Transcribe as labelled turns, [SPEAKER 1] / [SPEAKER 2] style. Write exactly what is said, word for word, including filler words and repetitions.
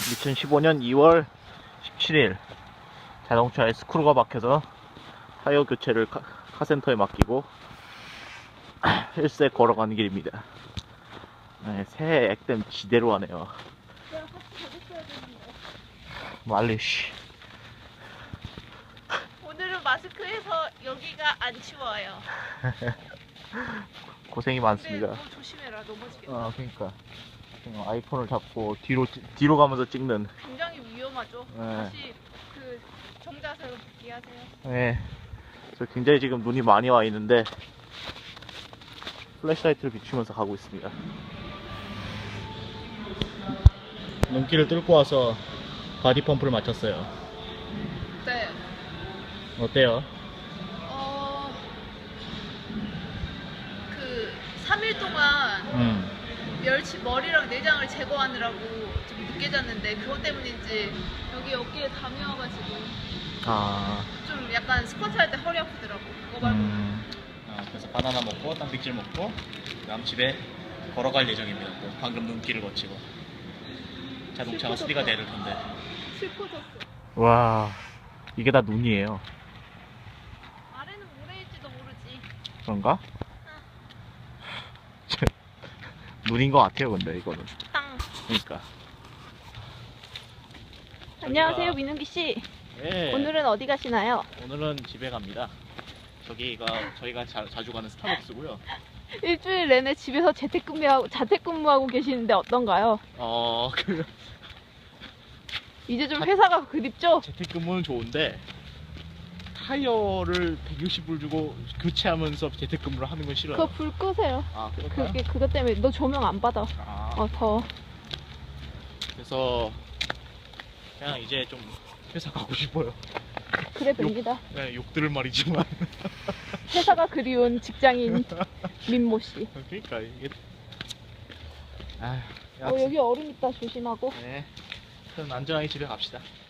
[SPEAKER 1] 이천십오 년 이월 십칠일 자동차에 스크루가 박혀서 타이어 교체를 카, 카센터에 맡기고 힐세 걸어가는 길입니다. 네, 새해 액땜 지대로 하네요. 말리씨.
[SPEAKER 2] 오늘은 마스크해서 여기가 안 치워요.
[SPEAKER 1] 고생이
[SPEAKER 2] 근데
[SPEAKER 1] 많습니다.
[SPEAKER 2] 너 조심해라, 넘어지겠다.
[SPEAKER 1] 아, 그러니까 그냥 아이폰을 잡고 뒤로 뒤로 가면서 찍는.
[SPEAKER 2] 굉장히 위험하죠.
[SPEAKER 1] 네.
[SPEAKER 2] 다시 그 정자세로 복귀하세요.
[SPEAKER 1] 네, 저 굉장히 지금 눈이 많이 와 있는데 플래시라이트를 비추면서 가고 있습니다. 눈길을 뚫고 와서 바디 펌프를 마쳤어요.
[SPEAKER 2] 네.
[SPEAKER 1] 어때요?
[SPEAKER 2] 어, 그 삼 일 동안
[SPEAKER 1] 음.
[SPEAKER 2] 멸치 머리랑 내장을 제거하느라고 좀 늦게 잤는데 그것 때문인지 여기 어깨에 담이 와가지고
[SPEAKER 1] 아.
[SPEAKER 2] 좀 약간 스쿼트 할 때 허리 아프더라고. 그거 말고.
[SPEAKER 1] 음. 아, 그래서 바나나 먹고 단백질 먹고 그다음 집에 걸어갈 예정입니다. 또 방금 눈길을 거치고 자동차가 수리가 되는 텐데.
[SPEAKER 2] 슬퍼졌어.
[SPEAKER 1] 와, 이게 다 눈이에요.
[SPEAKER 2] 아래는 모래일지도 모르지.
[SPEAKER 1] 그런가? 눈인 것 같아요, 근데 이거는.
[SPEAKER 2] 땅.
[SPEAKER 1] 그러니까.
[SPEAKER 2] 안녕하세요, 민은기 씨.
[SPEAKER 1] 네.
[SPEAKER 2] 오늘은 어디 가시나요?
[SPEAKER 1] 오늘은 집에 갑니다. 저기가 저희가 자, 자주 가는 스타벅스고요.
[SPEAKER 2] 일주일 내내 집에서 재택근무하고 자택근무하고 계시는데 어떤가요?
[SPEAKER 1] 어, 그
[SPEAKER 2] 이제 좀 회사가 그립죠?
[SPEAKER 1] 재택근무는 좋은데 타이어를 백육십 불 주고 교체하면서 재택근무를 하는 건 싫어요.
[SPEAKER 2] 그거 불 끄세요.
[SPEAKER 1] 아, 그럴까요?
[SPEAKER 2] 그게 그것 때문에 너 조명 안 받아.
[SPEAKER 1] 아,
[SPEAKER 2] 어, 더워.
[SPEAKER 1] 그래서 그냥 이제 좀 회사 가고 싶어요.
[SPEAKER 2] 그래 봅니다.
[SPEAKER 1] 네, 욕 들을 말이지만.
[SPEAKER 2] 회사가 그리운 직장인 민모 씨.
[SPEAKER 1] 그러니까 이게. 아,
[SPEAKER 2] 어, 여기 얼음 있다 조심하고.
[SPEAKER 1] 네. 그럼 안전하게 집에 갑시다.